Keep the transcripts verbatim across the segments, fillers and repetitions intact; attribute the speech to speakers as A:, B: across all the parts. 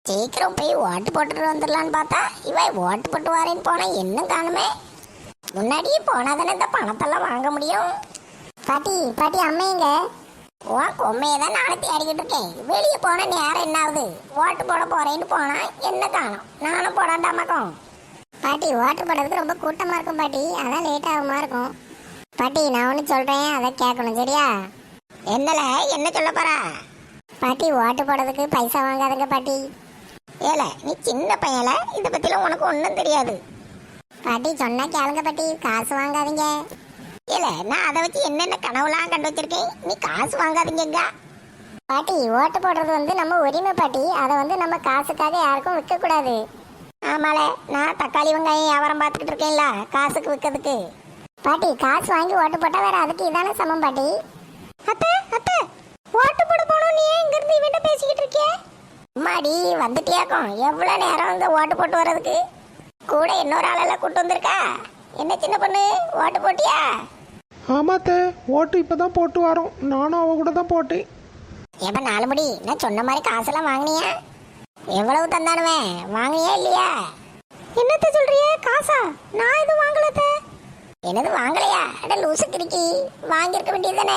A: சீக்கிரம் போய் ஓட்டு போட்டுட்டு வந்துடலான்னு பார்த்தா இவன் ஓட்டு போட்டு வரேன்னு போனா இன்னும் காணுமே. முன்னாடியே போனா தானே இந்த பணத்தெல்லாம் வாங்க முடியும். பாட்டி பாட்டி அம்மையங்க உன் கொம்மையை தான் நானும் தேடிக்கிட்டு இருக்கேன். வெளியே போன நேரம் என்ன ஆகுது? ஓட்டு போட போறேன்னு போனா என்ன காணும்? நானும் போடாண்டாமாக்கும். பாட்டி ஓட்டு போடுறதுக்கு ரொம்ப கூட்டமா இருக்கும் பாட்டி, அதான் லேட் ஆகுமா இருக்கும். பாட்டி நான் ஒன்று சொல்றேன், அதை கேட்கணும் சரியா? என்னல என்ன சொல்ல போறா? பாட்டி ஓட்டு போடுறதுக்கு பைசா வாங்காதுங்க பாட்டி. ஏல நீ சின்ன பையல, இதை பத்திலாம் உனக்கு ஒன்றும் தெரியாது. பாட்டி சொன்னா கேளுங்க பாட்டி, காசு வாங்காதீங்க. ஏல நான் அதை வச்சு என்னென்ன கனவுலாம் கண்டு வச்சிருக்கேன், நீ காசு வாங்காதீங்க. பாட்டி ஓட்டு போடுறது வந்து நம்ம உரிமை பாட்டி, அதை வந்து நம்ம காசுக்காக யாருக்கும் விற்க கூடாது. ஆமால நான் தக்காளி வெங்காயம் வியாபாரம் பார்த்துக்கிட்டு இருக்கேன்ல, காசுக்கு விற்கிறதுக்கு. பாட்டி காசு வாங்கி ஓட்டு போட்டா வேற அதுக்கு இதான சமம் பாட்டி. அத்தை அத்தை ஓட்டு போட போனோம், நீ இங்க இருந்து இவன்ட்ட பேசிக்கிட்டு இருக்கிய? அம்மாடி வந்துட்டியாக்கும், எவ்வளவு நேரம் இந்த ஓட்டு போட்டு வர்றதுக்கு? கூட இன்னொரு ஆளெல்லாம் கூட்டு வந்திருக்கா? என்ன சின்ன பொண்ணு ஓட்டு போட்டியா?
B: ஆமாத்த ஓட்டு இப்பதான் போட்டு வரோம், நானும் அவ கூட தான் போட்டேன்.
A: எப்ப நாலு மணி நான் சொன்ன மாதிரி காசெல்லாம் வாங்கினியா? எவ்வளவு தந்தானுவேன், வாங்கினியா இல்லையா? என்னத்த சொல்றிய? காசா? நான் எதுவும் வாங்கலத்த. என்னது வாங்கலையா? அட லூசு கிரிக்கி, வாங்கியிருக்க வேண்டியதுதானே.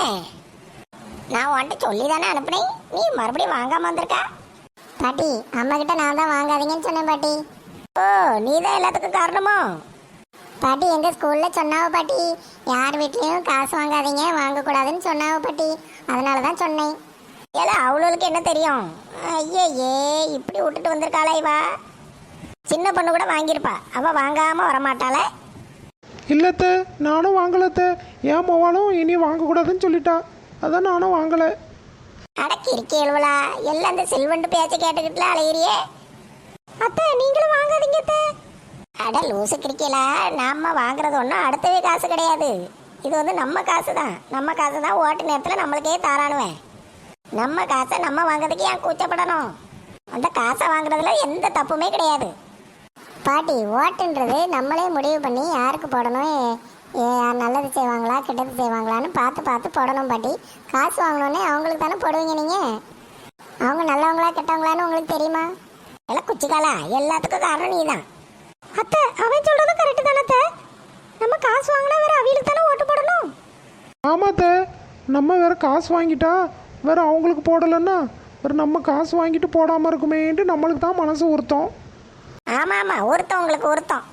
A: நான் உன்ட்ட சொல்லி தானே அனுப்புனேன், நீ மறுபடியும் வாங்காம வந்திருக்கா? பாட்டி அம்மா கிட்ட நான் தான் வாங்காதீங்கன்னு சொன்னேன் பாட்டி. ஓ நீ தான் எல்லாத்துக்கும் காரணமோ? பாட்டி எங்க ஸ்கூல்ல சொன்னாவ பாட்டி, யார் வீட்லயும் காசு வாங்காதீங்க, வாங்கக்கூடாதுன்னு சொன்னாவ பாட்டி, அதனால தான் சொன்னேன். ஏல அவளுக்கு என்ன தெரியும்? ஐயே இப்படி விட்டுட்டு வந்திருக்காளா இவா? சின்ன பொண்ணு கூட வாங்கியிருப்பா, அவ வாங்காம வரமாட்டாள.
B: இல்லத்த நானும் வாங்கலத்த, ஏன் மோவாலும் இனி வாங்கக்கூடாதுன்னு சொல்லிட்டா, அதான் நானும் வாங்கலை.
A: அடக்கி இருக்கே எழுவலா, எல்லாம் அந்த செல்வண்டு பேச்சை கேட்டுக்கிட்டுல அலையிறியே. அத்தை நீங்களும் வாங்காதீங்க அத்தை. அட லூசு கிரிக்கலா, நாம வாங்குறது ஒன்றும் அடுத்தவே காசு கிடையாது, இது வந்து நம்ம காசு தான். நம்ம காசு தான் ஓட்டு நேரத்தில் நம்மளுக்கே தாரானுவேன். நம்ம காசை நம்ம வாங்குறதுக்கு ஏன் கூச்சப்படணும்? அந்த காசை வாங்குறதுல எந்த தப்புமே கிடையாது. பாட்டி ஓட்டுன்றது நம்மளே முடிவு பண்ணி யாருக்கு போடணும், யார் நல்லது செய்வாங்களா கெட்டது செய்வாங்களான்னு பார்த்து பார்த்து போடணும் பாட்டி. காசு வாங்கினோடனே அவங்களுக்கு தானே போடுவீங்க நீங்கள். அவங்க நல்லவங்களா கெட்டவங்களான்னு உங்களுக்கு தெரியுமா? எல்லாம் குச்சிக்காலா, எல்லாத்துக்கும் காரணம் நீ தான். அத்தை அவன் சொல்றது கரெக்டு தானே அத்தை, நம்ம காசு வாங்கினா வேற அவங்களுக்கு தானே ஓட்டு போடணும்.
B: ஆமாத்த, நம்ம வேற காசு வாங்கிட்டா வேற அவங்களுக்கு போடலைன்னா வேற நம்ம காசு வாங்கிட்டு போடாமல் இருக்குமேன்ட்டு நம்மளுக்கு தான் மனசு உறுத்தம்.
A: ஆமாம் ஆமாம் ஒருத்தன் உங்களுக்கு ஒருத்தம்.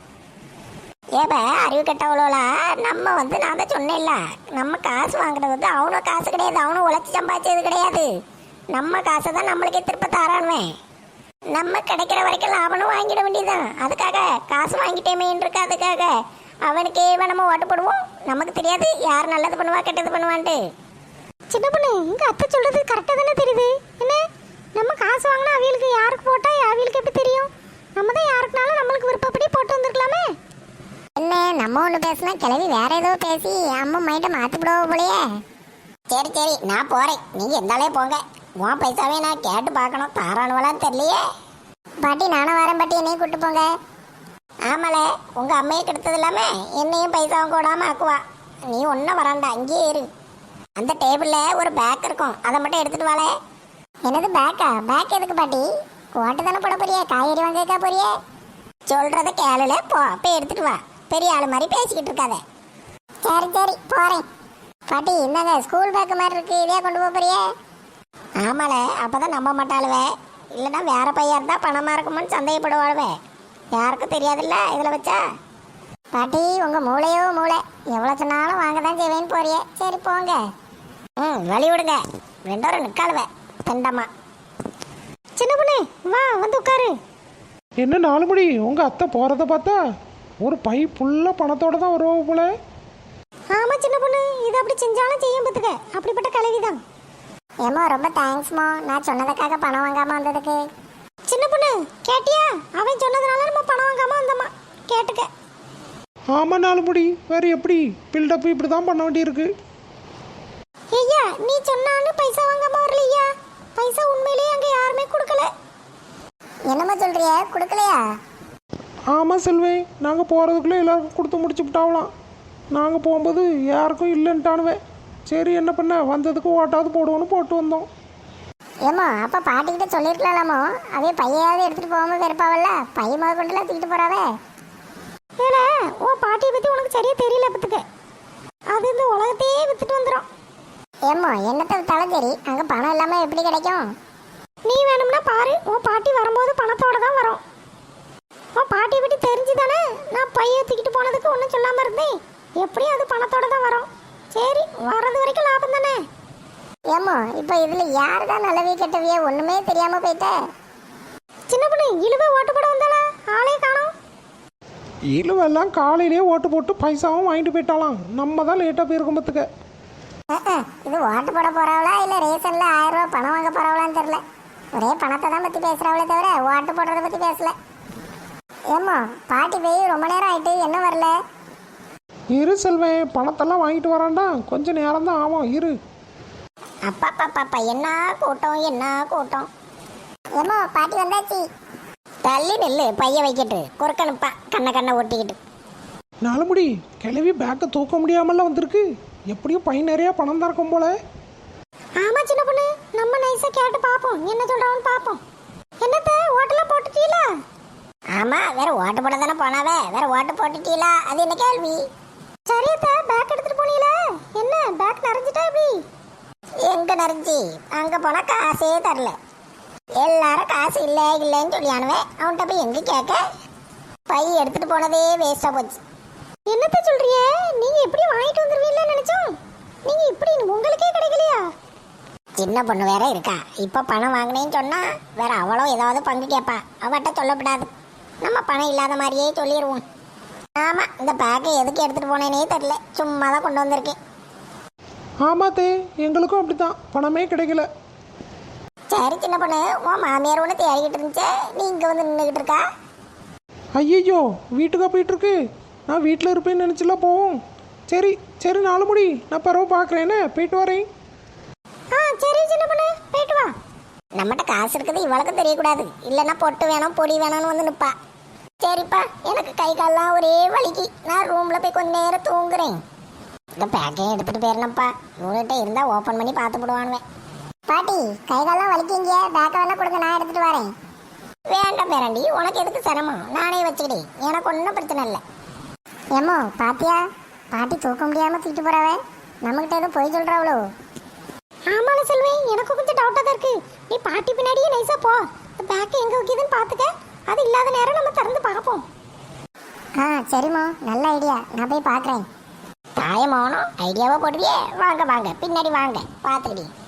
A: ஏப்ப அறிவு கெட்டவளோலா, நம்ம வந்து நான் தான் சொன்னேன்ல, நம்ம காசு வாங்குறது வந்து அவனும் காசு கிடையாது, அவனும் உழைச்சி சம்பாதிச்சது கிடையாது. நம்ம காசை தான் நம்மளுக்கே திருப்ப தாரானுவேன். நம்ம கிடைக்கிற வரைக்கும் லாபனும் வாங்கிட வேண்டியதுதான். அதுக்காக காசு வாங்கிட்டேமேன்னு இருக்கு, அதுக்காக அவனுக்கே நம்ம ஓட்டு போடுவோம். நமக்கு தெரியாது யார் நல்லது பண்ணுவா கெட்டது பண்ணுவான்ட்டு. சின்ன பொண்ணு இங்க அத்தை சொல்றது கரெக்டாக தானே தெரியுது. என்ன நம்ம காசு வாங்கினா அவங்களுக்கு யாருக்கு போட்டா அவங்களுக்கு எப்படி தெரியும்? நம்ம தான் யாருக்குனாலும் நம்மளுக்கு விருப்பப்படி போட்டு வந்திருக்கலாமே. என்ன நம்ம ஒன்று பேசினா கிளவி வேற ஏதோ பேசி அம்மா மைண்டை மாற்றி விடுவோம் போலையே. சரி சரி நான் போகிறேன், நீங்கள் எந்தாலே போங்க. உன் பைசாவே நான் கேட்டு பார்க்கணும், தாரானுவலான்னு தெரியலையே. பாட்டி நானும் வரேன் பாட்டி, என்னையும் கூப்பிட்டு போங்க. ஆமால உங்கள் அம்மையை கெடுத்தது இல்லாமல் என்னையும் பைசாவும் கூடாமல் ஆக்குவா. நீ ஒன்றும் வராண்டா, இங்கேயே இரு. அந்த டேபிளில் ஒரு பேக் இருக்கும், அதை மட்டும் எடுத்துகிட்டு வாழ. என்னது பேக்கா? பேக் எதுக்கு பாட்டி? ஓட்டு தானே போட போறியே, காய்கறி வாங்கிக்கா போறியே? சொல்கிறத கேளுல போ, போய் எடுத்துகிட்டு வா. பெரிய ஆள் மாதிரி பேசிக்கிட்டு இருக்காத. சரி சரி போகிறேன். பாட்டி இந்தாங்க ஸ்கூல் பேக்கு மாதிரி இருக்கு, இதே கொண்டு போக போறியே? ஆமால அப்போதான் நம்ப மாட்டாளுவே, இல்லைன்னா வேற பையன் இருந்தால் பணமாக இருக்குமோன்னு சந்தேகப்படுவாளுவே. யாருக்கும் தெரியாதுல்ல இதில் வச்சா. பாட்டி உங்கள் மூளையோ மூளை, எவ்வளோ சொன்னாலும் வாங்க தான் செய்வேன்னு போறியே. சரி போங்க. ம் வழி விடுங்க, ரெண்டோரும் நிற்காளுவே தண்டமா. சின்ன பொண்ணு வா வந்து உட்காரு.
B: என்ன நாலு மணி உங்கள் அத்தை போகிறத பார்த்தா ஒரு பை ஃபுல்லாக பணத்தோட தான் வருவோம் போல.
A: ஆமாம் சின்ன பொண்ணு, இது அப்படி செஞ்சாலும் செய்யும் பார்த்துக்க, அப்படிப்பட்ட கலவிதான். ஏமோ ரொம்ப தேங்க்ஸ்மோ, நான் சொன்னதுக்காக பணம் வாங்காமல் வந்ததுக்கு. சின்ன பொண்ணு கேட்டியா? அவன் சொன்னதுனால நம்ம பணம் வாங்காமல் வந்தோமா, கேட்டுக்க.
B: ஆமாம் நாலு முடி, வேறு எப்படி பில்டப் இப்படி தான் பண்ண வேண்டியிருக்கு.
A: ஐயா நீ சொன்னாலும் பைசா வாங்காமல் வரலையா? பைசா உண்மையிலேயே அங்கே யாருமே கொடுக்கல. என்னம்மா சொல்றிய, கொடுக்கலையா?
B: ஆமாம் செல்வே, நாங்கள் போகிறதுக்குள்ளே எல்லாருக்கும் கொடுத்து முடிச்சு விட்டாவலாம். நாங்கள் போகும்போது யாருக்கும் இல்லைன்ட்டானுவே. சரி என்ன பண்ண, வந்ததுக்கு ஓட்டாவது போடுவோன்னு போட்டு வந்தோம்.
A: ஏம்மா அப்போ பாட்டிக்கிட்ட சொல்லியிருக்கலாமோ அதே பையாவது எடுத்துகிட்டு போகாமல் இருப்பாவல்ல பையன் முத கொண்டுலாம் தூக்கிட்டு போகிறாவே. ஏன்னா உன் பாட்டியை பற்றி உனக்கு சரியாக தெரியல பத்துக்க. அது இந்த உலகத்தையே வித்துட்டு வந்துடும். ஏம்மா என்னத்தை வித்தாலும் சரி அங்கே பணம் இல்லாமல் எப்படி கிடைக்கும்? நீ வேணும்னா பாரு, உன் பாட்டி வரும்போது பணத்தோட தான் வரும். உன் பாட்டியை பற்றி தெரிஞ்சு தானே நான் பையை தூக்கிட்டு போனதுக்கு ஒன்றும் சொல்லாமல் இருந்தேன். எப்படியும் அது பணத்தோட தான் வரும். சரி வர்றது வரைக்கும் லாபம் தானே. ஏம்மா இப்போ இதில் யார் தான் நல்லவே கெட்டவையே ஒன்றுமே தெரியாமல் போயிட்ட. சின்ன பொண்ணு இழுவை ஓட்டு போட வந்தாளா? ஆளே காணோம்.
B: இழுவெல்லாம் காலையிலேயே ஓட்டு போட்டு பைசாவும் வாங்கிட்டு போயிட்டாலாம். நம்ம தான் லேட்டாக போயிருக்கோம் பத்துக்க.
A: இது ஓட்டு போட போறாவளா இல்லை ரேஷனில் ஆயிரம் ரூபா பணம் வாங்க போறாவளான்னு தெரியல. ஒரே பணத்தை தான் பற்றி பேசுகிறாவளே தவிர ஓட்டு போடுறத பற்றி பேசல. ஏம்மா பாட்டி போய் ரொம்ப நேரம் ஆயிட்டு என்ன வரல?
B: இரு செல்வேன், பணத்தெல்லாம் வாங்கிட்டு வரான்டா, கொஞ்சம் நேரம் தான் ஆகும், இரு.
A: அப்பா பாப்பா என்ன கூட்டம் என்ன கூட்டம். ஏம்மா பாட்டி வந்தாச்சு. தள்ளி நெல்லு பைய வைக்கிட்டு குறுக்கணுப்பா கண்ணை கண்ணை ஒட்டிக்கிட்டு.
B: நாலுமுடி கிளவி பேக்கை தூக்க முடியாமல வந்திருக்கு. எப்படியும் பை நிறையா பணம் தான் இருக்கும் போல.
A: ஆமா சின்ன பொண்ணு, நம்ம நைஸா கேட்டு பாப்போம் என்ன சொல்றான்னு பாப்போம். என்னத்த ஓட்டெல்லாம் போட்டுட்டீங்களா? ஆமா வேற ஓட்டு போட தானே போனாவே, வேற ஓட்டு போட்டுட்டீங்களா அது என்ன கேள்வி? சரியத்த பேக் எடுத்துட்டு போனீங்களா? என்ன பேக் நிறைஞ்சிட்டா எப்படி? எங்க நிறைஞ்சி? அங்க போனா காசே தரல. எல்லாரும் காசு இல்லை இல்லைன்னு சொல்லியானுவே. அவன்கிட்ட போய் எங்க கேட்க? பை எடுத்துட்டு போனதே வேஸ்டா போச்சு. என்னத்த சொல்றிய? நீங்க எப்படி வாங்கிட்டு வந்துருவீங்கன்னு நினைச்சோம். நீங்க இப்படி உங்களுக்கே கிடைக்கலையா? சின்ன பொண்ணு வேற இருக்கா. இப்ப பணம் வாங்கினேன்னு சொன்னா வேற அவளும் ஏதாவது பங்கு கேட்பா. அவட்ட சொல்லப்படாது. நம்ம பணம் இல்லாத மாதிரியே சொல்லிடுவோம். ஆமா இந்த பேக்கை எதுக்கு எடுத்துட்டு போனேனே தெரியல. சும்மா தான் கொண்டு வந்திருக்கேன்.
B: ஆமாத்தே எங்களுக்கும் அப்படித்தான், பணமே கிடைக்கல.
A: சரி சின்ன பொண்ணு, உன் மாமியார் ஒன்று தேடிக்கிட்டு இருந்துச்சு, நீ இங்க வந்து நின்றுக்கிட்டு இருக்கா?
B: ஐயோ வீட்டுக்கா போயிட்டு இருக்கு. நான் வீட்டில் இருப்பேன்னு நினச்சில போவோம். சரி சரி நாலுமுடி, நான் பரவ பார்க்குறேன்னு போயிட்டு வரேன்.
A: ஆ சரி சின்ன பொண்ணு போயிட்டு வா. நம்மகிட்ட காசு இருக்குது இவளுக்கு தெரியக்கூடாது. இல்லைன்னா பொட்டு வேணும் பொடி வேணும்னு வந்து நிற்பா. சரிப்பா எனக்கு கை கால்லாம் ஒரே வலிக்கு. நான் ரூமில் போய் கொஞ்ச நேரம் தூங்குறேன். இந்த பேக்கையும் எடுத்துகிட்டு போயிடணும்ப்பா. இவங்ககிட்ட இருந்தால் ஓப்பன் பண்ணி பார்த்து போடுவானுவேன். பாட்டி கை கால்லாம் வலிக்கிங்க, பேக்கை வேணா கொடுங்க, நான் எடுத்துகிட்டு வரேன். வேண்டாம் பேராண்டி, உனக்கு எதுக்கு சிரமம், நானே வச்சுக்கிட்டேன். எனக்கு ஒன்றும் பிரச்சனை இல்லை. ஏமோ பாத்தியா பாட்டி தூக்க முடியாமல் தூக்கிட்டு போறாவே. நம்மகிட்ட எதுவும் போய் சொல்கிறாவளோ? ஆமால செல்வி, எனக்கு கொஞ்சம் டவுட்டாக தான் இருக்கு. நீ பாட்டி பின்னாடியே நைஸா போ. பேக்கை எங்கே வைக்கிதுன்னு பார்த்துக்க. அது இல்லாத நேரம் நம்ம திறந்து பார்ப்போம். ஆ சரிம்மா, நல்ல ஐடியா. நான் போய் பார்க்குறேன். தாயமாவனும் ஐடியாவா போடுவியே. வாங்க வாங்க பின்னாடி வாங்க பார்த்துக்கிட்டே.